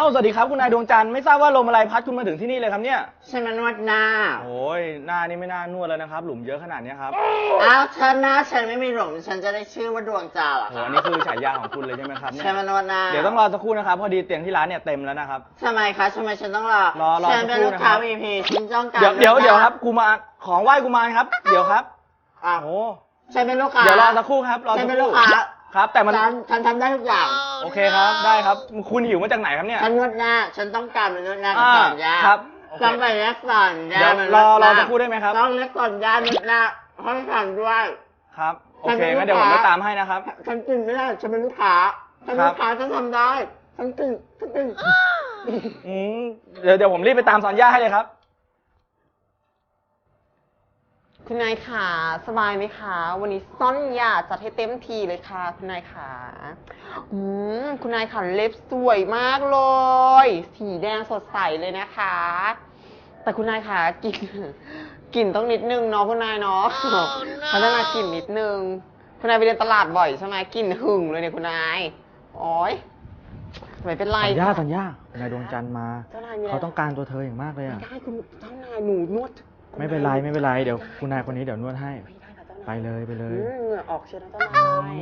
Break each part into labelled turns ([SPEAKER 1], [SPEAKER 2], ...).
[SPEAKER 1] สวัสดีครับคุณนายดวงจันทร์ไม่ทราบว่าลมอะไรพัดคุณมาถึงที่นี่เลยครับเนี่ย
[SPEAKER 2] ฉันมานวดหน้า
[SPEAKER 1] โอ้ยหน้านี่ไม่น่านวดแล้วนะครับหลุมเยอะขนาดนี้ครับ
[SPEAKER 2] ฉันหน้าฉันไม่มีหลุมฉันจะได้ชื่อว่าดวงจันทร์เหรอ
[SPEAKER 1] โอ้นี่คือฉายาของคุณเลยใช่ไหมครับเนี่ย
[SPEAKER 2] ฉันมานวดหน้า
[SPEAKER 1] เดี๋ยวต้องรอสักครู่นะครับพอดีเตียงที่ร้านเนี่ยเต็มแล้วนะครับ
[SPEAKER 2] ทำไมคะทำไมฉันต้องรอ
[SPEAKER 1] ฉั
[SPEAKER 2] นเป็นลูกค้า VIP ฉันต้องการ
[SPEAKER 1] เดี๋ยวครับกูมาของไหว้กูมาครับเดี๋ยวครับ
[SPEAKER 2] โอ้ฉันเป็นลูกค้า
[SPEAKER 1] เดี๋ยวรอสักครู่ครับ
[SPEAKER 2] ฉันเป็นลูกค้า
[SPEAKER 1] ครับแต่มัน
[SPEAKER 2] ฉันทำได้ทุกอย่าง
[SPEAKER 1] โอเคครับได้ครับคุณหิวมาจากไหนครับเนี่ย
[SPEAKER 2] ฉันนวดหน้าฉันต้องการเป็นนวดหน้ากับสอนยา
[SPEAKER 1] ครับ
[SPEAKER 2] ต้องไปเล็กสอนยา
[SPEAKER 1] เดี๋ยวรอสักครู่ได้ไหมครับ
[SPEAKER 2] ต้องเล็กสอนยานวดหน้าให้ฉันด้วย
[SPEAKER 1] ครับโอเคงั้นเดี๋ยวผมไปตามให้นะครับ
[SPEAKER 2] ฉันกินไม่ได้ฉันเป็นลูกค้าฉันลูกค้าฉันทำได้ฉันกิน
[SPEAKER 1] เดี๋ยวผมรีบไปตามสอนย่าให้เลยครับ
[SPEAKER 3] คุณนายขาสบายไหมคะวันนี้ซ่อนยาจัดให้เต็มทีเลยค่ะคุณนายขาคุณนายขาเล็บสวยมากเลยสีแดงสดใสเลยนะคะแต่คุณนายขากลิ่นต้องนิดนึงเนาะคุณนายเนาะพัฒนากลิ่นนิดนึงคุณนายไปเดินตลาดบ่อยใช่ไหมกลิ่นหึงเลยเนี่ยคุณนายโอ๊ยไม่เป็นไร
[SPEAKER 1] สัญญาคุณนายดวงจันทร์มาเขาต้องการตัวเธออย่างมากเลยอ่ะ
[SPEAKER 3] ไม่ได้คุณเจ้านายหนูนวด
[SPEAKER 1] ไม่เป็นไรเดี๋ยวคุณนายคนนี้เดี๋ยวนวดให้ไปเลยเห
[SPEAKER 3] งื่อออกเชียวนะเจ้านาย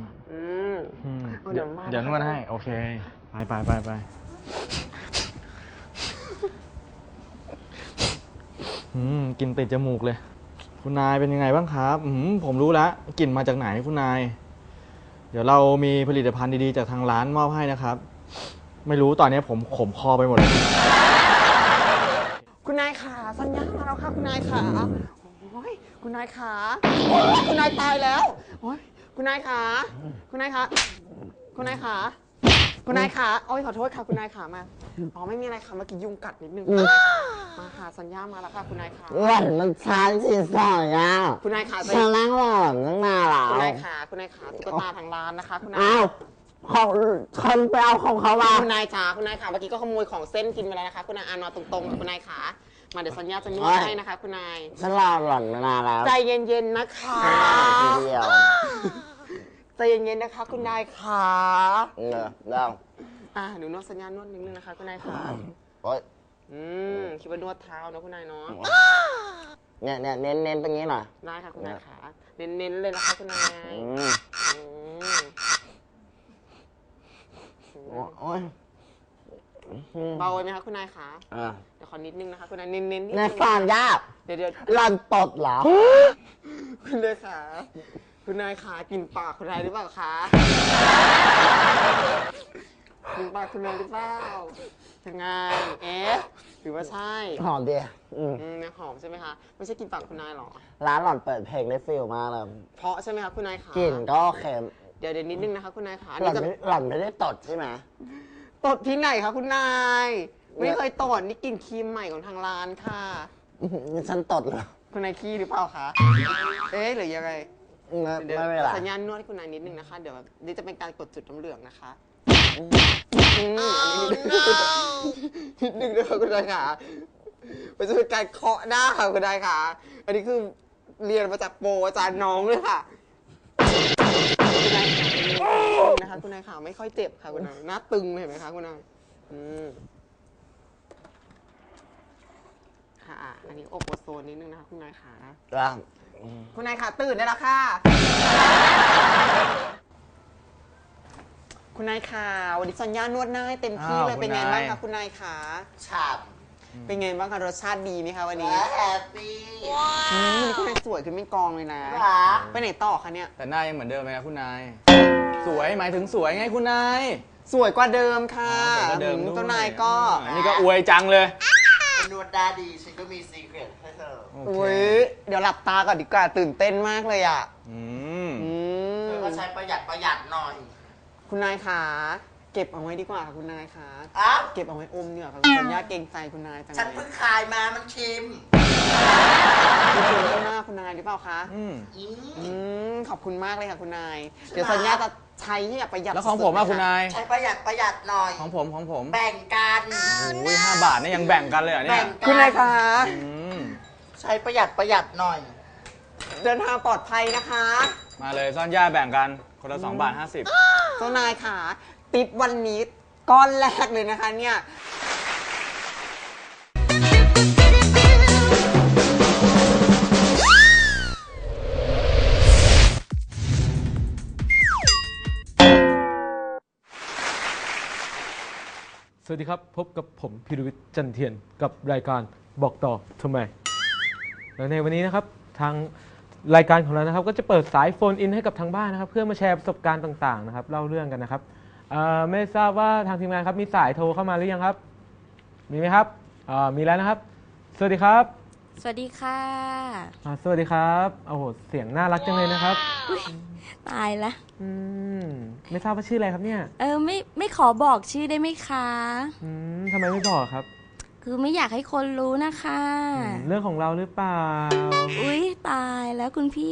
[SPEAKER 1] เดี๋ยวนวดให้โอเคไปกลิ่นติดจมูกเลยคุณนายเป็นยังไงบ้างครับผมรู้แล้วกลิ่นมาจากไหนคุณนายเดี๋ยวเรามีผลิตภัณฑ์ดีๆจากทางร้านมอบให้นะครับไม่รู้ตอนนี้ผมขมคอไปหมดเลย
[SPEAKER 3] คุณนายขาสัญญามาแล้วค่ะคุณนายขาโอ้ยคุณนายขาคุณนายตายแล้วโอ้ยคุณนายขาคุณนายขาคุณนายขาคุณนายขาโอ้ยขอโทษค่ะคุณนายขามาไม่มีอะไรค่ะเมื่อกี้ยุงกัดนิดนึงมาค่ะสัญญามาแล้วค่ะคุณนายขา
[SPEAKER 2] หล่อนมันช้าสิสอยอ่ะ
[SPEAKER 3] คุณนายขา
[SPEAKER 2] ฉันนั่งหล่อนนั่งมาหรอ
[SPEAKER 3] คุณนายขาตุ๊กตาทางร้านนะคะคุณนาย
[SPEAKER 2] ของคนไปเอาของเขามา
[SPEAKER 3] คุณนายขาเมื่อกี้ก็ขโมยของเส้นกินไปแล้วนะคะคุณนายนอนตรงๆคุณนายขามาเดี๋ยวสัญญาจะนวดให้นะคะคุณนาย
[SPEAKER 2] ฉันรอหล่อนนานแล้ว
[SPEAKER 3] ใจเย็นๆนะคะใจเย็นๆนะคะคุณนายขา
[SPEAKER 2] ได้
[SPEAKER 3] หนูนวดสัญญานวดนิดนึงนะคะคุณนายขาคิดว่านวดเท้านะคุณนายเนาะ
[SPEAKER 2] เนี่ยเน้นตรงนี้หน่อย
[SPEAKER 3] ได้ค่ะคุณนายขาเน้นเลยนะคะคุณนาย
[SPEAKER 2] โอ้ย
[SPEAKER 3] เบาไหมคะคุณนายขาเดี๋ยวขอนิดนึงนะคะคุณนายเน้น
[SPEAKER 2] ในฟังยาก
[SPEAKER 3] เดี๋ยว
[SPEAKER 2] หล่อนตดเหรอ
[SPEAKER 3] คุณนายขาคุณนายขากินปากคุณนายหรือเปล่าคะกินปากคุณนายหรือเปล่ายังไงหรือว่าใช่
[SPEAKER 2] หอมดี
[SPEAKER 3] เนี่ยหอมใช่ไหมคะไม่ใช่กินปากคุณนายหรอ
[SPEAKER 2] ร้านหล่อนเปิดเพลงได้ฟิลมากเลย
[SPEAKER 3] เพราะใช่ไหมคะคุณนายขาก
[SPEAKER 2] ลิ่นก็เค็ม
[SPEAKER 3] เดี๋ยวนิดนึงนะคะคุณนายขา
[SPEAKER 2] หล่อนไม่ได้ตดใช่ไหม
[SPEAKER 3] ตดที่ไหนคะคุณนายไม่เคยตดนี่กลิ่นครีมใหม่ของทางร้านค่ะ
[SPEAKER 2] ฉันตดเหรอ
[SPEAKER 3] คุณนายขี้หรือเปล่าคะหรือยังไง
[SPEAKER 2] ไม่เป็นไร
[SPEAKER 3] สัญญาณนวดให้คุณนายนิดนึงนะคะเดี๋ยวนี่จะเป็นการกดจุดน้ำเหลืองนะคะนิดนึงนะคะคุณนายขามันจะเป็นการเคาะหน้าค่ะคุณนายขาอันนี้คือเรียนมาจากโปรอาจารย์น้องเลยค่ะคุณนายขานะคะคุณนายขาไม่ค่อยเจ็บค่ะคุณนายหน้าตึงเลยเห็นไหมคะคุณนายค่ะอันนี้อบโอโซนนิดนึงนะคะคุณนายขาคุณนายขาตื่นได้แล้วค่ะคุณนายขาวันนี้สัญญานวดหน้าให้เต็มที่เลยเป็นไงบ้างคะคุณนายขา
[SPEAKER 2] ฉ่
[SPEAKER 3] ำเป็นไงบ้างคะรสชาติดีไหมคะวันนี้
[SPEAKER 2] แฮปปี้
[SPEAKER 3] วันนี้คุณนายสวยขึ้นไม่กองเลยนะไปไหนต่อคะเนี่ย
[SPEAKER 1] แต่หน้ายังเหมือนเดิมไหมครับคุณนายสวยหมายถึงสวยไงคุณนาย
[SPEAKER 3] สวยกว่าเดิมค่ะเจ้านายก็
[SPEAKER 1] นี่ก็อวยจังเลย
[SPEAKER 2] นวดได้ดีฉันก็มีซีเคร็ตให้เธอ
[SPEAKER 3] เดี๋ยวหลับตาก่อนดีกว่าตื่นเต้นมากเลยอ่ะ
[SPEAKER 2] เธอก็ใช้ประหยัดหน่อย
[SPEAKER 3] คุณนายขาเก็บเอาไว้ดีกว่าค่ะคุณนายขาเก็บเอาไว้อมเนี่ยค่ะสัญญาเกรงใจคุณนายจังเลย
[SPEAKER 2] ฉันเพิ่งคายมามันเค็ม
[SPEAKER 3] คุณเค็มหน้าคุณนายหรือเปล่าคะขอบคุณมากเลยค่ะคุณนายเดี๋ยวสัญญาจะใช้ให้ประหยัด
[SPEAKER 1] แล้วของผมคุณนาย
[SPEAKER 2] ใช้ประหยัดหน่อย
[SPEAKER 1] ของผม
[SPEAKER 2] แบ่งกัน
[SPEAKER 1] โอ้ย5 บาทนี่ยังแบ่งกันเลยเหรอเนี่ย
[SPEAKER 3] คุณนายคะ
[SPEAKER 2] ใช้ประหยัดหน่อย
[SPEAKER 3] เดินทางปลอดภัยนะคะ
[SPEAKER 1] มาเลยซ่อนย่าแบ่งกันคนละ2.50 บาท
[SPEAKER 3] เจ้านายค่ะติปวันนี้ก้อนแรกเลยนะคะเนี่ย
[SPEAKER 4] สวัสดีครับพบกับผมพิรวิทย์จันเทียนกับรายการบอกต่อทำไมแล้วในวันนี้นะครับทางรายการของเรานะครับก็จะเปิดสายโฟนอินให้กับทางบ้านนะครับเพื่อมาแชร์ประสบการณ์ต่างๆนะครับเล่าเรื่องกันนะครับไม่ทราบว่าทางทีมงานครับมีสายโทรเข้ามาหรือยังครับมีไหมครับมีแล้วนะครับสวัสดีครับ
[SPEAKER 5] สวัสดีค่ะ
[SPEAKER 4] สวัสดีครับโอ้โหเสียงน่ารักจังเลยนะครับ
[SPEAKER 5] ตายละ
[SPEAKER 4] อืมไม่ทราบว่าชื่ออะไรครับเนี่ย
[SPEAKER 5] ไม่ขอบอกชื่อได้ไหมคะ
[SPEAKER 4] ทำไมไม่บอกครับ
[SPEAKER 5] คือไม่อยากให้คนรู้นะคะ
[SPEAKER 4] เรื่องของเราหรือเปล่า
[SPEAKER 5] อุ๊ยตายแล้วคุณพี่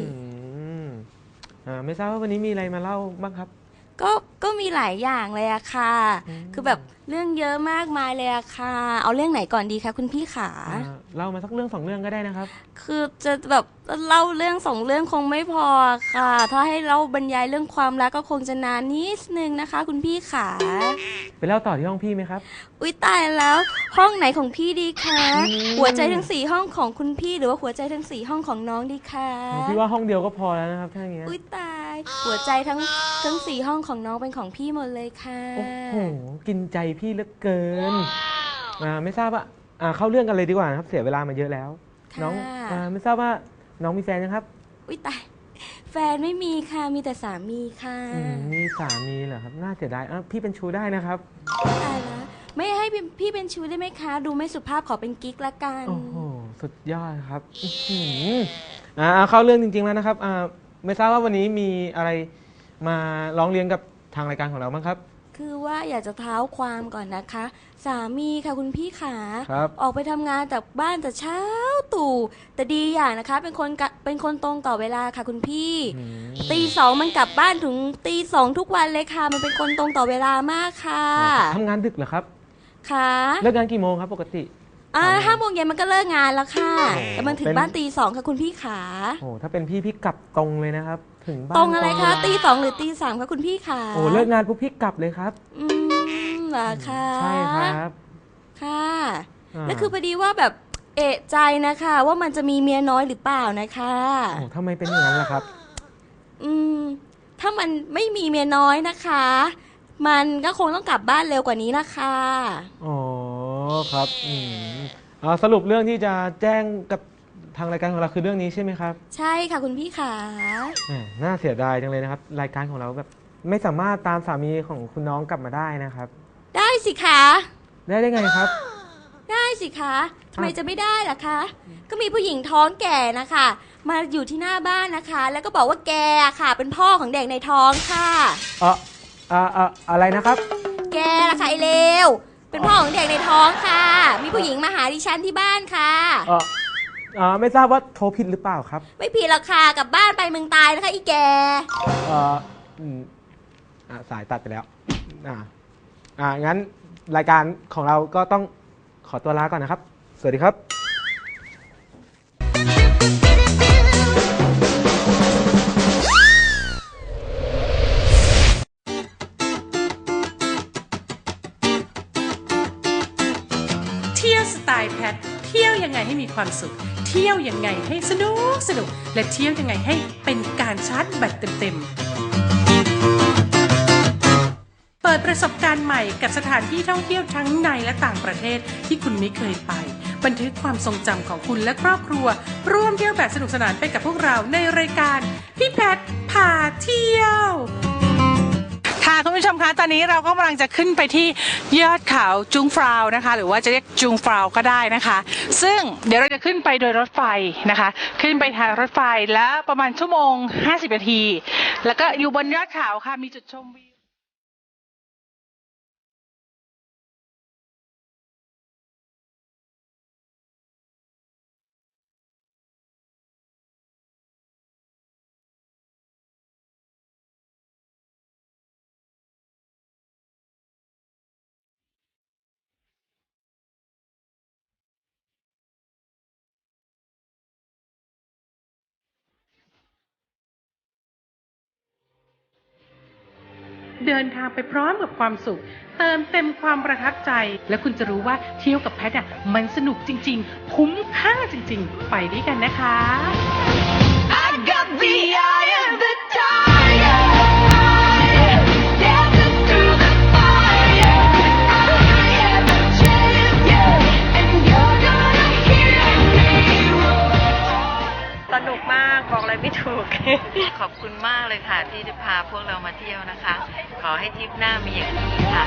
[SPEAKER 4] ไม่ทราบว่าวันนี้มีอะไรมาเล่าบ้างครับ
[SPEAKER 5] ก็มีหลายอย่างเลยอะค่ะ คือแบบเรื่องเยอะมากมายเลยอะค่ะ เอาเรื่องไหนก่อนดีคะคุณพี่ขา
[SPEAKER 4] เล่ามาสักเรื่องสองเรื่องก็ได้นะครับ
[SPEAKER 5] คือจะแบบเล่าเรื่องสองเรื่องคงไม่พอค่ะ ถ้าให้เล่าบรรยายเรื่องความรักก็คงจะนานนิดนึงนะคะ คุณพี่ขา
[SPEAKER 4] ไปเล่าต่อที่ห้องพี่ไหมครับ
[SPEAKER 5] อุ๊ยตายแล้วห้องไหนของพี่ดีคะหัวใจทั้ง4ห้องของคุณพี่หรือว่าหัวใจทั้ง4ห้องของน้องดีคะ
[SPEAKER 4] พี่ว่าห้องเดียวก็พอแล้วนะครับถ้าอย่างเงี้ย
[SPEAKER 5] อุ๊ยตายหัวใจทั้ง4ห้องของน้องเป็นของพี่หมดเลยค่ะ
[SPEAKER 4] โอ้โหกินใจพี่เหลือเกินไม่ทราบว่าเข้าเรื่องกันเลยดีกว่านะครับเสียเวลามาเยอะแล้ว น้องไม่ทราบว่าน้องมีแฟนยังครับ
[SPEAKER 5] อุ๊ยตายแฟนไม่มีค่ะมีแต่สามีค่ะ
[SPEAKER 4] มีสามีเหรอครับน่าเสียดายพี่เป็นชู้ได้นะครับ
[SPEAKER 5] ตายแล้วไม่ให้พี่เป็นชู้ได้ไหมคะ ดูไม่สุภาพขอเป็นกิ๊กละกัน
[SPEAKER 4] โอ้โหสุดยอดครับเข้าเรื่องจริงๆแล้วนะครับไม่ทราบว่าวันนี้มีอะไรมาร้องเรียนกับทางรายการของเราบ้างครับ
[SPEAKER 5] คือว่าอยากจะเท้าความก่อนนะคะ สามีค่ะคุณพี่ขา
[SPEAKER 4] ครับ
[SPEAKER 5] ออกไปทำงานจากบ้านแต่เช้าตู่แต่ดีอย่างนะคะ เป็นคนตรงต่อเวลาค่ะคุณพี่ตี 2มันกลับบ้านถึงตี 2ทุกวันเลยค่ะ มันเป็นคนตรงต่อเวลามากค่ะ
[SPEAKER 4] ทำงานดึกเหรอครับ
[SPEAKER 5] ค่ะ
[SPEAKER 4] เลิกงานกี่โมงครับปกติ
[SPEAKER 5] 5 โมงเย็นมันก็เลิกงานแล้วค่ะแต่มันถึงบ้านตี 2ค่ะคุณพี่ขา
[SPEAKER 4] โอ้ถ้าเป็นพี่กลับตรงเลยนะครับ ถึงบ้าน
[SPEAKER 5] ตรงอะไรคะ
[SPEAKER 4] เวลา
[SPEAKER 5] ตี 2หรือตี 3ค่ะคุณพี่ขา
[SPEAKER 4] โอ้เลิกงานปุ๊บพี่กลับเลยครับ
[SPEAKER 5] เหรอคะ
[SPEAKER 4] ใช่ครับ
[SPEAKER 5] ค่ะ
[SPEAKER 4] อ่า
[SPEAKER 5] แล้วคือพอดีว่าแบบเอะใจนะคะว่ามันจะมีเมียน้อยหรือเปล่านะคะ
[SPEAKER 4] โอ้ทำไมเป็นอย่างนั้นล่ะครับ
[SPEAKER 5] ถ้ามันไม่มีเมียน้อยนะคะ มันก็คงต้องกลับบ้านเร็วกว่านี้นะคะ
[SPEAKER 4] อ๋อครับสรุปเรื่องที่จะแจ้งกับทางรายการของเราคือเรื่องนี้ใช่ไหมครับ
[SPEAKER 5] ใช่ค่ะคุณพี่ขา
[SPEAKER 4] น่าเสียดายจังเลยนะครับรายการของเราแบบไม่สามารถตามสามีของคุณน้องกลับมาได้นะครับ
[SPEAKER 5] ได้สิคะ
[SPEAKER 4] ได้ไงครับ
[SPEAKER 5] ได้สิคะทำไมจะไม่ได้ล่ะคะ ก็มีผู้หญิงท้องแก่นะคะ มาอยู่ที่หน้าบ้านนะคะ แล้วก็บอกว่าแกอะค่ะ เป็นพ่อของเด็กในท้องค่ะ
[SPEAKER 4] อะไรนะครับ
[SPEAKER 5] แกล่ะค่ะไอเลวเป็นพ่อของเด็กในท้องค่ะ มีผู้หญิงมาหาดิฉันที่บ้านค่ะ
[SPEAKER 4] ไม่ทราบว่าโทรผิดหรือเปล่าครับ
[SPEAKER 5] ไม่ผิดหรอกค่ะกลับบ้านไปเมืองตายนะคะอีแก
[SPEAKER 4] สายตัดไปแล้วงั้นรายการของเราก็ต้องขอตัวลาก่อนนะครับ สวัสดีครับ
[SPEAKER 6] เที่ยวสไตล์แพทเที่ยวยังไงให้มีความสุข เที่ยวยังไงให้สนุกและเที่ยวยังไงให้เป็นการชาร์จแบตเต็มเปิดประสบการณ์ใหม่กับสถานที่ท่องเที่ยวทั้งในและต่างประเทศที่คุณไม่เคยไป บันทึกความทรงจำของคุณและครอบครัวร่วมเที่ยวแบบสนุกสนานไปกับพวกเราในรายการพี่แพทพาเที่ยวค่ะคุณผู้ชมคะตอนนี้เราก็กำลังจะขึ้นไปที่ยอดเขาจุงฟราวนะคะหรือว่าจะเรียกจุงฟราวก็ได้นะคะซึ่งเดี๋ยวเราจะขึ้นไปโดยรถไฟนะคะขึ้นไปทางรถไฟแล้วประมาณชั่วโมง50 นาทีแล้วก็อยู่บนยอดเขาค่ะมีจุดชมวิวเดินทางไปพร้อมกับความสุข เติมเต็มความประทับใจ และคุณจะรู้ว่าเที่ยวกับแพทมันสนุกจริงๆคุ้มค่าจริงๆไปด้วยกันนะคะ
[SPEAKER 7] I got the eye of the tiger. Dancing through the fire. I am a champion, and you're gonna hear me roar.
[SPEAKER 8] สนุกมากบอกอะไรไม่ถูก ขอบคุณมากเลยค่ะที่ได้พาพวกเรามาเที่ยวนะคะ ขอให้ทริปหน้ามีอย่างนี้ค่ะ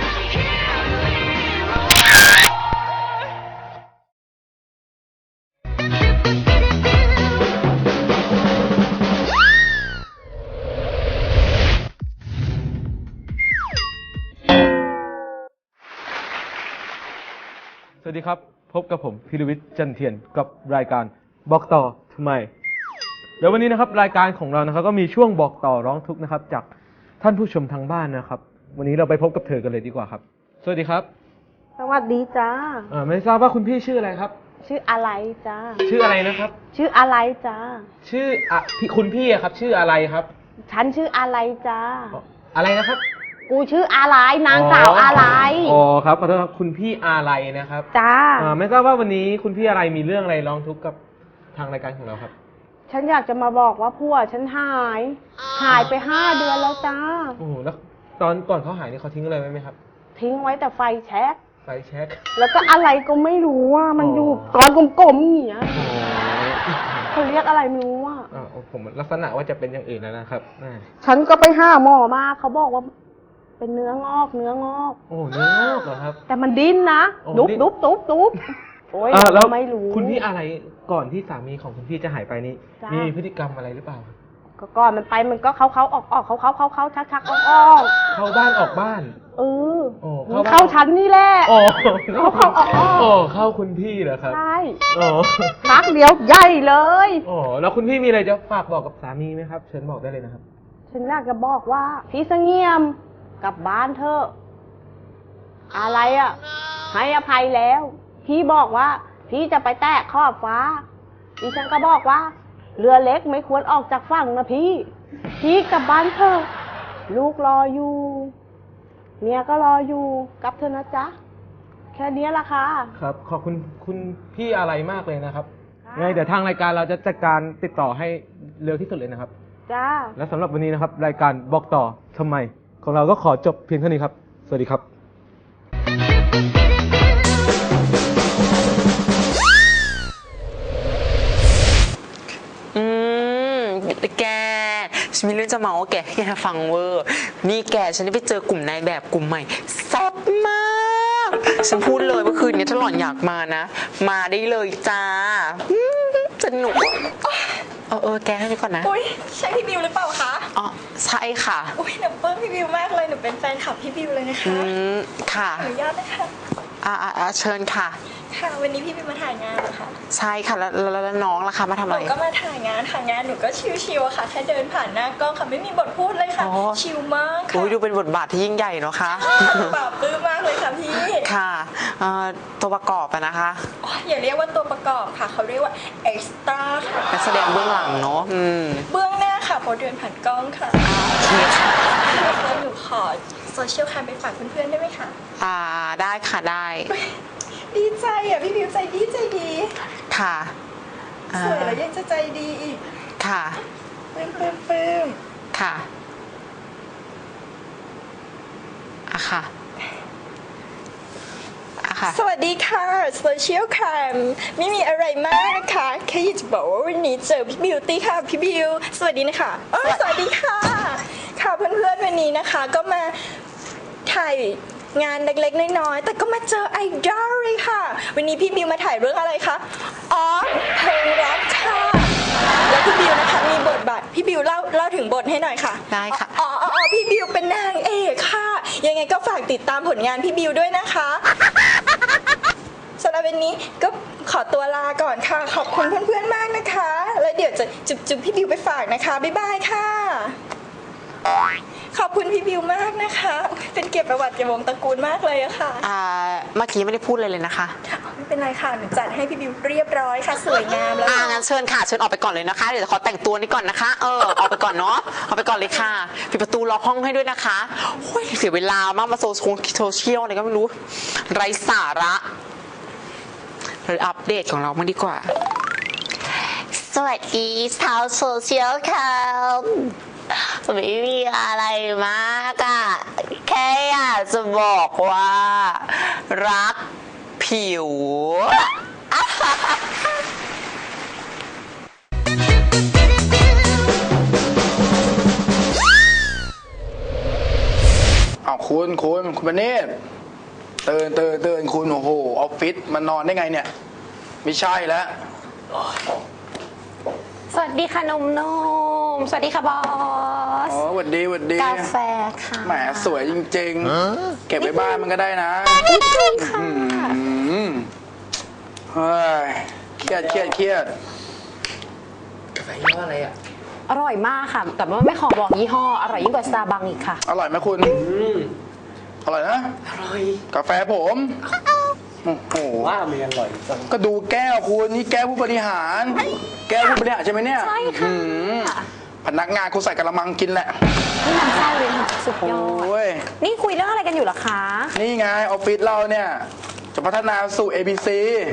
[SPEAKER 4] สวัสดีครับ พบกับผมพิรวิทย์จันเทียนกับรายการบอกต่อทำไมเดี๋ยววันนี้นะครับรายการของเรานะครับก็มีช่วงบอกต่อร้องทุกข์นะครับจากท่านผู้ชมทางบ้านนะครับวันนี้เราไปพบกับเธอกันเลยดีกว่าครับสวัสดีครับ
[SPEAKER 3] สวัสดีจ้า
[SPEAKER 4] ไม่ทราบว่าคุณพี่ชื่ออะไรครับ
[SPEAKER 3] ชื่ออะไรจ้า
[SPEAKER 4] ชื่ออะไรนะครับ
[SPEAKER 3] ชื่ออะไรจ้า
[SPEAKER 4] ชื่อคุณพี่อะครับชื่ออะไรครับ
[SPEAKER 3] ฉันชื่ออะไรจ้า
[SPEAKER 4] อะไรนะครับ
[SPEAKER 3] กูชื่ออะไรนางสาวอะไร
[SPEAKER 4] อ๋อครับขอโทษครับคุณพี่อะไรนะครับ
[SPEAKER 3] จ้า
[SPEAKER 4] ไม่ทราบว่าวันนี้คุณพี่อะไรมีเรื่องอะไรร้องทุกข์กับทางรายการของเราครับ
[SPEAKER 3] ฉันอยากจะมาบอกว่าผัวฉันหายไป5 เดือนแล้วจ้า
[SPEAKER 4] โอ้โหแล้วตอนก่อนเขาหายนี่เขาทิ้งอะไรไว้ไหมครับ
[SPEAKER 3] ทิ้งไว้แต่ไฟแช็ก
[SPEAKER 4] ไฟแช็ก
[SPEAKER 3] แล้วก็อะไรก็ไม่รู้ว่ามันอยู่ก้อนกลมๆอย่างเงี้ยเขาเรียกอะไรไม่รู้ว่า
[SPEAKER 4] ผมลักษณะว่าจะเป็นอย่างอื่นแล้วนะครับ
[SPEAKER 3] ฉันก็ไปหาหมอมาเขาบอกว่า เป็นเนื้องอก
[SPEAKER 4] โอ้เนื้องอกเหรอครับ
[SPEAKER 3] แต่มันดิ้นนะ
[SPEAKER 4] โอ้
[SPEAKER 3] ดุบ
[SPEAKER 4] ดิ้น
[SPEAKER 3] ดุบดุบดุบโอ้ย
[SPEAKER 4] แล้ว
[SPEAKER 3] ไม่รู้
[SPEAKER 4] คุณพี่อะไรก่อนที่สามีของคุณพี่จะหายไปนี่
[SPEAKER 3] จ้ามี
[SPEAKER 4] มีพฤติกรรมอะไรหรือเปล่า
[SPEAKER 3] ก็ก่อนมันไปมันก็เขาออกเขาชักออก
[SPEAKER 4] เข้าบ้านออกบ้าน
[SPEAKER 3] เออ
[SPEAKER 4] โอ้
[SPEAKER 3] มันเข้าฉันนี่แหละ
[SPEAKER 4] โอ้
[SPEAKER 3] เข้าออก
[SPEAKER 4] โอ้เข้าคุณพี่เหรอครับ
[SPEAKER 3] ใช่
[SPEAKER 4] โอ้
[SPEAKER 3] ชักเดียวใหญ่เลย
[SPEAKER 4] โอ้แล้วคุณพี่มีอะไรจะฝากบอกกับสามีไหมครับเชิญบอกได้เลยนะครับ
[SPEAKER 3] ฉันอยากจะบอกว่าพี่เสงี่ยมกลับบ้านเถอะอะไรอ่ะ ให้อภัยแล้ว พี่บอกว่า พี่จะไปแตะขอบฟ้าดิฉันก็บอกว่า เรือเล็กไม่ควรออกจากฝั่งนะพี่กลับบ้านเถอะลูกรออยู่เมียก็รออยู่กลับเถอะนะจ๊ะแค่นี้ละค่ะ
[SPEAKER 4] ครับ ขอบคุณคุณพี่อะไรมากเลยนะครับไงเดี๋ยวทางรายการเราจะจัดการติดต่อให้เร็วที่สุดเลยนะครับ
[SPEAKER 3] จ้า
[SPEAKER 4] และสำหรับวันนี้นะครับรายการบอกต่อทำไมของเราก็ขอจบเพียงเท่านี้ครับสวัสดีครับ
[SPEAKER 8] แกฉันมีเรื่องจะเมาว่าแกให้แกฟังเวอร์นี่แกฉันได้ไปเจอกลุ่มนายแบบกลุ่มใหม่แซ่บมากฉันพูดเลยว่าคืนนี้ถ้าหล่อนอยากมานะมาได้เลยจ้าสนุกแกให้ไปก่อนนะ
[SPEAKER 9] อุ้ยใช่พี่บิวหรือเปล่าคะ
[SPEAKER 8] อ๋อใช่ค่ะ
[SPEAKER 9] อุ้ยหนูปลื้มพี่บิวมากเลยหนูเป็นแฟนคลับพี่บิวเลยนะคะ
[SPEAKER 8] ค่ะ
[SPEAKER 9] อนุญาตนะคะ
[SPEAKER 8] เชิญค่ะ
[SPEAKER 9] ค่ะวันนี้พี่บิวมาถ่ายงานเหรอคะ
[SPEAKER 8] ใช่ค่ะแล้วน้องล่ะคะมาทำ
[SPEAKER 9] ห
[SPEAKER 8] อะไร
[SPEAKER 9] นูก็มาถ่ายงานหนูก็ชิวๆอะค่ะแค่เดินผ่านหน้ากล้องค่ะไม่มีบทพูดเลยค่ะ
[SPEAKER 8] อ๋อ
[SPEAKER 9] ชิลมาก
[SPEAKER 8] อุ้
[SPEAKER 9] ค่ะ
[SPEAKER 8] ยดูเป็นบทบาทที่ยิ่งใหญ่เนาะคะ
[SPEAKER 9] ปราบปลื้มมากเลยค่ะพี่
[SPEAKER 8] ค่ะตัวประกอบอะนะคะ
[SPEAKER 9] อ๋ออย่าเรียกว่าตัวประกอบค่ะเขาเรียกว่าเอ็กซ์ตร้าค่ะ
[SPEAKER 8] นักแสดงเบื้องหลังเนาะ
[SPEAKER 9] เบื้องหน้าค่ะพอเดินผ่านกล้องค่ะ
[SPEAKER 8] โอเคค่ะ
[SPEAKER 9] แล้วหนูขอโซเชียลแคมไปฝากเพื่อนๆได้ไหมคะ
[SPEAKER 8] ได้ค่ะได้
[SPEAKER 9] ดีใจอ่ะพี่บิวใจดี
[SPEAKER 8] ค่ะอ่า
[SPEAKER 9] สวยแล้วยังจะใจดีอีก
[SPEAKER 8] ค่ะ
[SPEAKER 9] ปลื้ม
[SPEAKER 8] ค่ะค่ะค่ะ
[SPEAKER 9] สวัสดีค่ะโซเชียลแคมไม่มีอะไรมากนะคะแค่อยากจะบอกว่าวันนี้เจอพี่บิวตี้ค่ะพี่บิวสวัสดีนะคะสวัสดีค่ะค่ะเพื่อนๆวันนี้นะคะก็มาถ่ายงานเล็กๆน้อยๆแต่ก็มาเจอไอดอลเลยค่ะวันนี้พี่บิวมาถ่ายเรื่องอะไรคะอ๋อเพลงรักค่ะแล้วพี่บิวนะคะมีบทบาทพี่บิวเล่าถึงบทให้หน่อยค่ะ
[SPEAKER 8] ได้ค่ะ
[SPEAKER 9] อ๋อพี่บิวเป็นนางเอกค่ะยังไงก็ฝากติดตามผลงานพี่บิวด้วยนะคะสำหรับวันนี้ก็ขอตัวลาก่อนค่ะขอบคุณเพื่อนๆมากนะคะแล้วเดี๋ยวจะจุบพี่บิวไปฝากนะคะบ๊ายบายค่ะขอบคุณพี่บิวมากนะคะเป็นเกียรติประวัติแก่วงตระกูลมากเลยอะค่ะ
[SPEAKER 8] เมื่อกี้ไม่ได้พูดเลยนะคะ
[SPEAKER 9] ไม่ไม่เป็นไรค่ะหนูจัดให้พี่บิวเรียบร้อยค่ะ สวยงามแล้วค่ะ
[SPEAKER 8] งั้นเชิญค่ะ เชิญออกไปก่อนเลยนะคะ เดี๋ยวจะขอแต่งตัวนี้ก่อนนะคะ ออกไปก่อนเนาะ ออกไปก่อนเลยค่ะ ปิดประตูล็อกห้องให้ด้วยนะคะโอ้ยเสียเวลามากมาโซเชียลอะไรก็ไม่รู้ ไร้สาระเราอัปเดตของเรามาดีกว่า สวัสดีชาวโซเชียลครับไม่มีอะไรมากอะแค่อยากจะบอกว่า รักผิว
[SPEAKER 10] อ้าวคุณประเนศตื่นคุณโอ้โหออฟฟิศมันนอนได้ไงเนี่ยไม่ใช่แล้ว
[SPEAKER 11] สวัสดีค่ะนมสวัสดีค่ะบอส
[SPEAKER 10] อ๋อหวัดดี
[SPEAKER 11] กาแฟค่ะ
[SPEAKER 10] แหมสวยจริงๆ เก็บไว้บ้านมันก็ได้นะ
[SPEAKER 11] นิดนึงค่ะ
[SPEAKER 10] เฮ้ยเครียด
[SPEAKER 11] อร่อยมากค่ะ แต่ว่าไม่ขอบอกยี่ห้อ อร่อยยิ่งกว่าสตาร์บัคอีกค่ะ
[SPEAKER 10] อร่อยไหมคุณอร่อยนะ
[SPEAKER 12] อร่อย
[SPEAKER 10] กาแฟผมโอ้โห
[SPEAKER 12] ว่ามันอร่อยจัง
[SPEAKER 10] ก็ดูแก้วคุณนี่แก้วผู้บริหาร แก้วผู้บริหารใช่ไหมเนี่ย
[SPEAKER 11] ใช่ค่ะ
[SPEAKER 10] พนักงานคุณใส่กระมังกินแหละ
[SPEAKER 11] นี่น้ำไส้เลยค่ะ สุดยอ
[SPEAKER 10] โอ้
[SPEAKER 11] ด
[SPEAKER 10] ย
[SPEAKER 11] นี่คุยเรื่องอะไรกันอยู่เหรอคะ
[SPEAKER 10] นี่ไงออฟฟิศเราเนี่ย จะพัฒนาสู่ ABC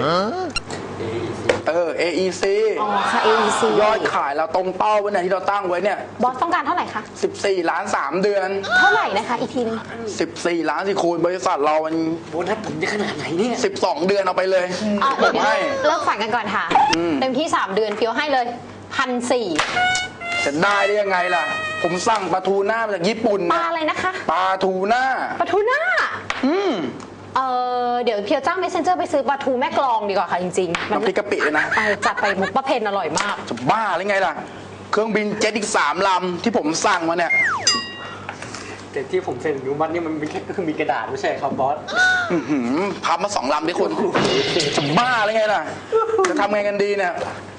[SPEAKER 10] AEC
[SPEAKER 11] อ๋อค่ะ AEC
[SPEAKER 10] ยอดขายเราตรงเป้าไว้เนี่ยที่เราตั้งไว้เนี่ย
[SPEAKER 11] บอสต้องการเท่าไหร่คะ
[SPEAKER 10] 14 ล้าน 3 เดือน
[SPEAKER 11] เท่าไหร่นะคะอีกทีนึง
[SPEAKER 10] 14 ล้านสิคุณบริษัทเรามัน
[SPEAKER 12] โบนัสผมจะขนาดไหนเนี่ย
[SPEAKER 10] 12 เดือนเอาไปเลย
[SPEAKER 11] อ่ะ
[SPEAKER 10] ผ
[SPEAKER 11] เดี๋ยว
[SPEAKER 10] มให้
[SPEAKER 11] เลิกฝันกันก่อนค่ะ เต็มที่ 3 เดือนเพียวให้เลย1,400
[SPEAKER 10] จะได้ได้ยังไงล่ะ ผมสั่งปลาทูน่ามาจากญี่ปุ่น
[SPEAKER 11] ปลา
[SPEAKER 10] นะ
[SPEAKER 11] อะไรนะคะ
[SPEAKER 10] ปลาทูน่า
[SPEAKER 11] ปลาทูน่า
[SPEAKER 10] อืม
[SPEAKER 11] เดี๋ยวเพียวจ้างเมสเซนเจอร์ไปซื้อปลาทูแม่กลองดีกว่าค่ะจริงๆ
[SPEAKER 10] น้ำพริกกะปิเลยนะ
[SPEAKER 11] จัดไปมุกป้าเพนอร่อยมาก
[SPEAKER 10] จะบ้าหรือไงล่ะ เครื่องบินเจ็ตอีก 3 ลำที่ผมสั่งมาเนี่ย
[SPEAKER 12] แต่ที่ผมเซ็นอนุมัติเนี่ยมันเป็นแค่ก็คือมีกระดาษไม่ใช่ครับบอส
[SPEAKER 10] พับมา 2 ลำที่คุณจะบ้าหรือไงล่ะ จะทำไงกันดีเนี่ย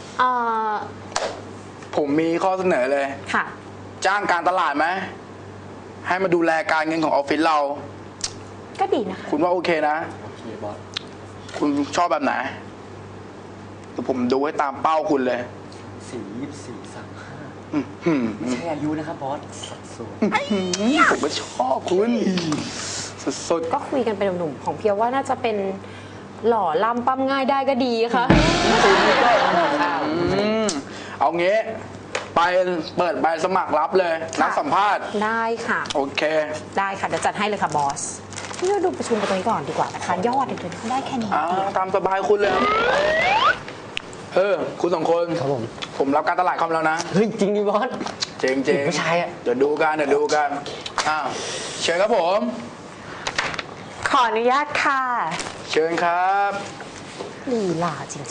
[SPEAKER 10] ผมมีข้อเสนอเลย
[SPEAKER 11] ค่ะ
[SPEAKER 10] จ้างการตลาดไหม ให้มาดูแลการเงินของออฟฟิศเรา
[SPEAKER 11] ก็ดีนะคะ
[SPEAKER 10] คุณว่าโอเคนะ
[SPEAKER 12] โอเคบอส
[SPEAKER 10] คุณชอบแบบไหนเดี๋ยวผมดูให้ตามเป้าคุณเลย
[SPEAKER 12] 4 34 35
[SPEAKER 10] อื้อหือ
[SPEAKER 12] ไม่ใช่อายุนะครับบอสสัดส่วน
[SPEAKER 10] ผมก็ชอบคุณสุด
[SPEAKER 11] ก็คุยกันเป็นหนุ่มๆของเพียวว่าน่าจะเป็นหล่อล่ำปั้มง่ายได้ก็ดีค่ะ
[SPEAKER 10] เอางี้ไปเปิดใบสมัครรับเลย นัดสัมภาษณ์
[SPEAKER 11] ได้ค่ะ
[SPEAKER 10] โอเค
[SPEAKER 11] ได้ค่ะ เดี๋ยวจัดให้เลยค่ะบอสนี่เราดูประชุมกันตรงนี้ก่อนดีกว่านะคะ ยอดเดี๋ยวเขาได้แค่นี้
[SPEAKER 10] ตามสบายคุณเลย คุณ2 คน
[SPEAKER 12] ครับผม
[SPEAKER 10] ผมรับการตลาดคอมแล้วนะ
[SPEAKER 12] เฮ้ยจริงดิบอส
[SPEAKER 10] เจ๋งๆ
[SPEAKER 12] ไม่ใช่อะ
[SPEAKER 10] เดี๋ยวดูกันอ้าวเชิญครับผม
[SPEAKER 8] ขออนุญาตค่ะ
[SPEAKER 10] เชิญครับ
[SPEAKER 11] ลีลาจริง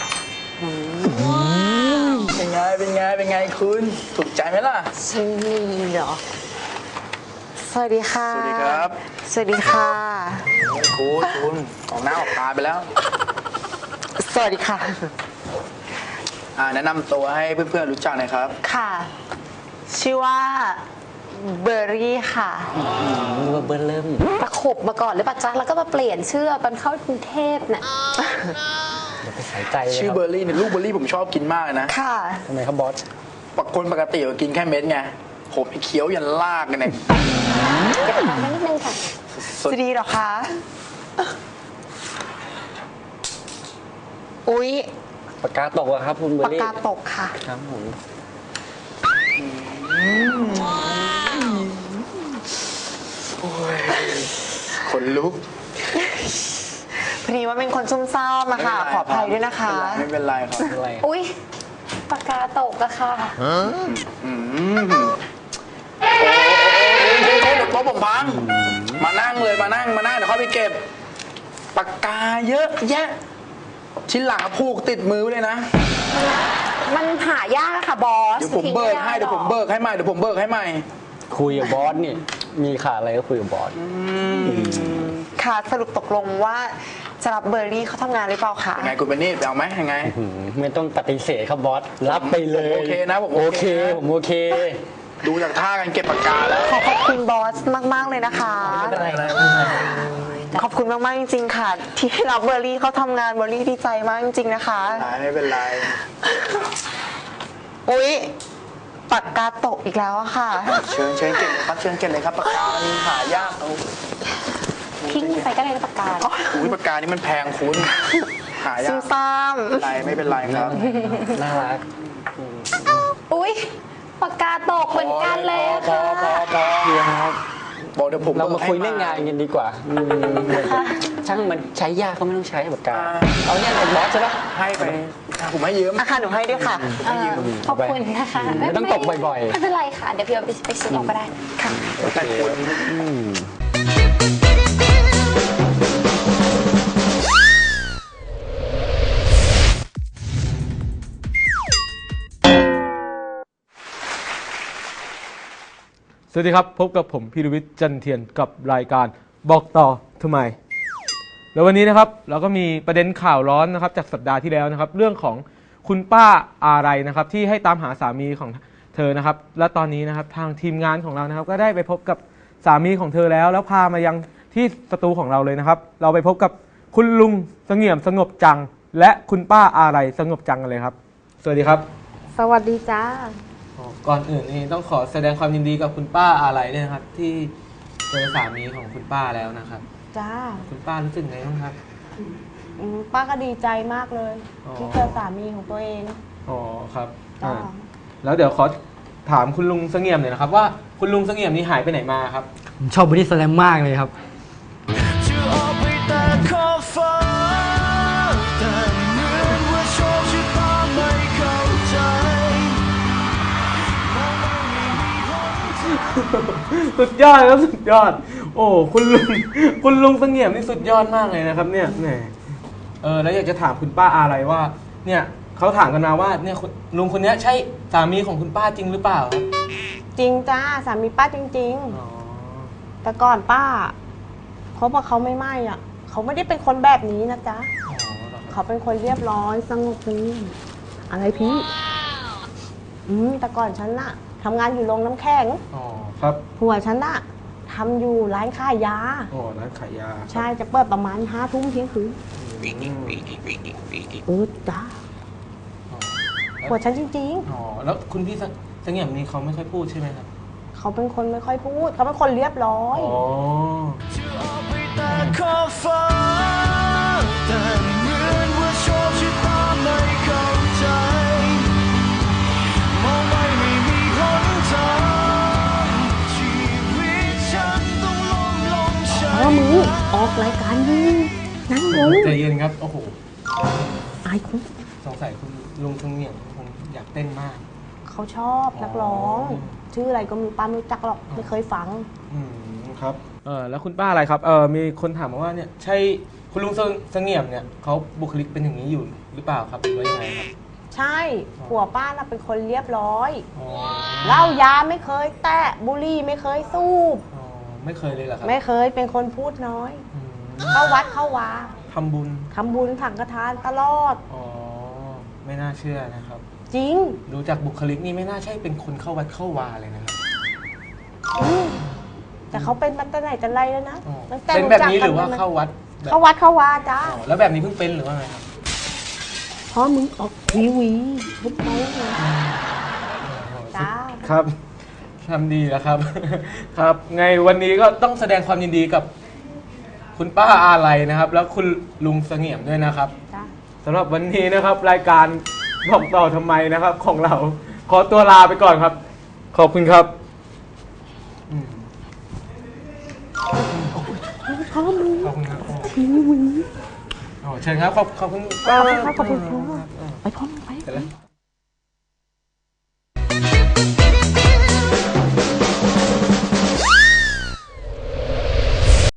[SPEAKER 10] เป็นไงคุณถูกใจไหมล่ะ
[SPEAKER 11] ๆฉันลีเหรอ
[SPEAKER 8] สวัสดีค่ะ
[SPEAKER 10] สวัสดีครับ
[SPEAKER 8] สวัสดีค่ะ
[SPEAKER 10] คุณออกหน้าออกตาไปแล้ว
[SPEAKER 8] สวัสดีค่ะ
[SPEAKER 10] แนะนำตัวให้เพื่อนๆรู้จักหน่อยครับ
[SPEAKER 8] ค่ะ ชื่อว่าเบอร์รี่ค่ะ
[SPEAKER 12] นึกว่าเบิ้ลเริ่ม
[SPEAKER 11] ประขบมาก่อนหรือปะจ๊ะแล้วก็มาเปลี่ยนชื่อตอนเข้ากรุงเทพน่ะ
[SPEAKER 12] อย่าไปใส่ใจเลย
[SPEAKER 10] ชื่อ
[SPEAKER 12] ครับ
[SPEAKER 10] เบอร์รี่เนี่ยลูกเบอร์รี่ผมชอบกินมากเลยนะ
[SPEAKER 8] ค่ะ
[SPEAKER 12] ทำไมครับบอส
[SPEAKER 10] คนปกติก็กินแค่เม็ดไง ผมเคี้ยวยันลากกันเนี่ย
[SPEAKER 11] เก็บตังค์ไว้นิดนึงค่ะ
[SPEAKER 10] สุด
[SPEAKER 8] จะดีเหรอคะ อุ๊ย
[SPEAKER 12] ปากกาตกอะครับคุณเบอ
[SPEAKER 8] ปาก
[SPEAKER 12] ร์รี่
[SPEAKER 8] กาตกค่ะ
[SPEAKER 12] ครับผม
[SPEAKER 10] ขนลุก
[SPEAKER 8] พอดีว่าเป็นคนซุ่มซ่ามอะค่ะ ขออภัยด้วยนะคะ
[SPEAKER 10] ไม่เป็นไรครับ
[SPEAKER 12] อะไร
[SPEAKER 11] อุ๊ยปากกาตกอะค่ะ
[SPEAKER 10] โอ้เดี๋ยวโต๊ะผมพัง มานั่งเลยมานั่งเดี๋ยวเข้าไปเก็บ ปากกาเยอะแยะ ชิ้นหลังอะผูกติดมือไว้เลยนะ
[SPEAKER 11] มันหายากอะค่ะบอส
[SPEAKER 10] เดี๋ยวผมเบิกให้
[SPEAKER 12] คุยกับบอสนี่มีขาดอะไรก็คุยกับบอส
[SPEAKER 8] ค่ะ สรุปตกลงว่าจะรับเบอร์รี่เขาทำงานหรือเปล่าคะ
[SPEAKER 10] ยังไงคุณเป็นนี่ไปเอาไหมยังไง
[SPEAKER 12] ไม่ต้องปฏิเสธครับบอส รับไปเลย
[SPEAKER 10] ผมโอเคนะผม
[SPEAKER 12] โอ
[SPEAKER 10] โอ
[SPEAKER 12] เค
[SPEAKER 10] เคนะ
[SPEAKER 12] ผมโอเค
[SPEAKER 10] ดูจากท่ากันเก็บปากกาแล้ว
[SPEAKER 8] ขอบคุณบอสมาก ๆ เลยนะคะ
[SPEAKER 10] ไม่เป็นไร
[SPEAKER 8] ขอบคุณมากๆจริงๆค่ะ ที่ให้รับเบอร์รี่เขาทำงานเบอร์รี่ดีใจมากจริงๆนะคะ
[SPEAKER 10] ไม่เป็นไร
[SPEAKER 8] อุ๊ยปากกาตกอีกแล้วอะค่ะ
[SPEAKER 10] เชิญเก็บเลยครับเชิญเก็บเลยครับปากกานี่หายากเอา
[SPEAKER 11] ทิ้งไปก็ได้นะปากกา
[SPEAKER 10] อุ้ยปากกานี่มันแพงคุณหายา
[SPEAKER 8] ซุ่
[SPEAKER 10] ก
[SPEAKER 8] มซ่าม
[SPEAKER 10] ไม่เป็นไรครับ
[SPEAKER 12] น่ารัก
[SPEAKER 11] อุ๊ยปากกาตกเหมือนกันเลย
[SPEAKER 10] พอ
[SPEAKER 11] ค่ะ
[SPEAKER 12] ครับ
[SPEAKER 10] บอกเดี๋ยวผม
[SPEAKER 12] เรามาคุย
[SPEAKER 10] ให้
[SPEAKER 12] เรื่องงานกันดีกว่าช่างมันใช้ยากก็ไม่ต้องใช้ปากกา เอาเนี่ยเป็นบอสใช่ปะ
[SPEAKER 10] ให้ไปผมให้ยืม
[SPEAKER 8] อาคารหนูให้ด้วยค่ะ
[SPEAKER 11] ขอบคุณนะคะ
[SPEAKER 12] ไม่ต้องตกบ่อยๆ
[SPEAKER 11] ไม่เป็นไรค่ะ เดี๋ยวพี่เอาไปซื้อออกก็ได้ค่ะ
[SPEAKER 10] แต่คน
[SPEAKER 4] สวัสดีครับ พบกับผมพีรวิทย์จันเทียนกับรายการบอกต่อทำไม แล้ววันนี้นะครับเราก็มีประเด็นข่าวร้อนนะครับจากสัปดาห์ที่แล้วนะครับ เรื่องของคุณป้าอะไรนะครับที่ให้ตามหาสามีของเธอนะครับ และตอนนี้นะครับทางทีมงานของเรานะครับก็ได้ไปพบกับสามีของเธอแล้วพามายังที่สตูของเราเลยนะครับ เราไปพบกับคุณลุงเสงี่ยมสงบจัง และคุณป้าอะไรสงบจังกันเลยครับ สวัสดีครับ
[SPEAKER 13] สวัสดีจ้า
[SPEAKER 4] ก่อนอื่นนี่ต้องขอแสดงความยินดีกับคุณป้าอะไรด้วยนะครับ ที่เจอสามีของคุณป้าแล้วนะครับ
[SPEAKER 13] จ้า
[SPEAKER 4] คุณป้ารู้สึกไงบ้างครับ
[SPEAKER 13] ป้าก็ดีใจมากเลย
[SPEAKER 4] อ๋อ
[SPEAKER 13] ที่เจอสามีของตัวเอง
[SPEAKER 4] อ๋อครับ
[SPEAKER 13] จ้า
[SPEAKER 4] แล้วเดี๋ยวขอถามคุณลุงเสงี่ยมหน่อยนะครับว่าคุณลุงเสงี่ยมนี่หายไปไหนมาครับ
[SPEAKER 12] ผมชอบบอดี้สแลมมากเลยครับ
[SPEAKER 4] สุดยอดครับสุดยอด โอ้คุณลุงเสงี่ยมนี่สุดยอดมากเลยนะครับเนี่ยแหมแล้วอยากจะถามคุณป้าอะไรว่า เนี่ยเขาถามกันมาว่าเนี่ยลุงคนนี้ใช่สามีของคุณป้าจริงหรือเปล่าครับ
[SPEAKER 13] จริงจ้าสามีป้าจริงๆ แต่ก่อนป้าเขาบอกเขาไม่อ่ะ เขาไม่ได้เป็นคนแบบนี้นะจ๊ะ เขาเป็นคนเรียบร้อยสงบนิ่งอะไรพี่แต่ก่อนฉันน่ะทำงานอยู่โรงน้ำแข็ง
[SPEAKER 4] อ๋อครับ
[SPEAKER 13] ผัวฉันน่ะทำอยู่ร้านขายยา
[SPEAKER 4] อ๋อร้านขายยา
[SPEAKER 13] ใช่จะเปิดประมาณ5 ทุ่มเที่ยงคืนจ้าผัวฉันจริง
[SPEAKER 4] อ๋อแล้วคุณพี่เสงี่ยมนี่เขาไม่ค่อยพูดใช่ไหมครับ
[SPEAKER 13] ๆ เขาเป็นคนไม่ค่อยพูด เขาเป็นคนเรียบร้อย
[SPEAKER 4] อ๋อ
[SPEAKER 13] เพราะมึงออกรายการมึงนั่งลง
[SPEAKER 4] ใจเย็นครับ โอ้โห
[SPEAKER 13] อายคุณ
[SPEAKER 4] สงสัยคุณลุงเสงี่ยมคงอยากเต้นมาก
[SPEAKER 13] เขาชอบนักร้อง ชื่ออะไรก็ไมีป้าไม่รู้จักหรอก ไม่เคยฟัง
[SPEAKER 4] ครับแล้วคุณป้าอะไรครับมีคนถามมาว่าเนี่ยใช่คุณลุงเสงี่ยมเนี่ยเขาบุคลิกเป็นอย่างนี้อยู่หรือเปล่าครับหรือว่ายังไงครับ
[SPEAKER 13] ใช่ผัวป้าน่ะเป็นคนเรียบร้อยเหล้ายาไม่เคยแตะบุหรี่ไม่เคยสูบ
[SPEAKER 4] ไม่เคยเลยเหรอครับ
[SPEAKER 13] ไม่เคยเป็นคนพูดน้อย เข้าวัดเข้าวา
[SPEAKER 4] ทำบุญ
[SPEAKER 13] ทำบุญถังกระทานตลอด
[SPEAKER 4] อ๋อไม่น่าเชื่อนะครับ
[SPEAKER 13] จริง
[SPEAKER 4] ดูจากบุคลิกนี่ไม่น่าใช่เป็นคนเข้าวัดเข้าวาเลยนะครับ
[SPEAKER 13] แต่เขาเป็นมาตั้งแต่ไหนแต่ไรแล้วนะตั้งแต่
[SPEAKER 4] เป็นแบบนี้หรือว่าเข้าวัด
[SPEAKER 13] เข้าวัดเข้าวาจ้า
[SPEAKER 4] แล้วแบบนี้เพิ่งเป็นหรือว่าไงครับ
[SPEAKER 13] เพราะมึงออกทีวีทุกโมงเลยจ้า
[SPEAKER 4] ครับทำดีแล้วครับ ครับไงวันนี้ก็ต้องแสดงความยินดีกับคุณป้าอะไรนะครับ แล้วคุณลุงเสงี่ยมด้วยนะครับ
[SPEAKER 13] จ้า
[SPEAKER 4] สำหรับวันนี้นะครับ รายการบอกต่อทำไมนะครับ ของเราขอตัวลาไปก่อนครับ ขอบคุณครับ
[SPEAKER 13] เพราะมึง
[SPEAKER 4] ขอบคุณครับ
[SPEAKER 13] ทีวี
[SPEAKER 4] เชิญครับขอบคุณ
[SPEAKER 13] ขอบคุณพ่อไปพ่อมึงไป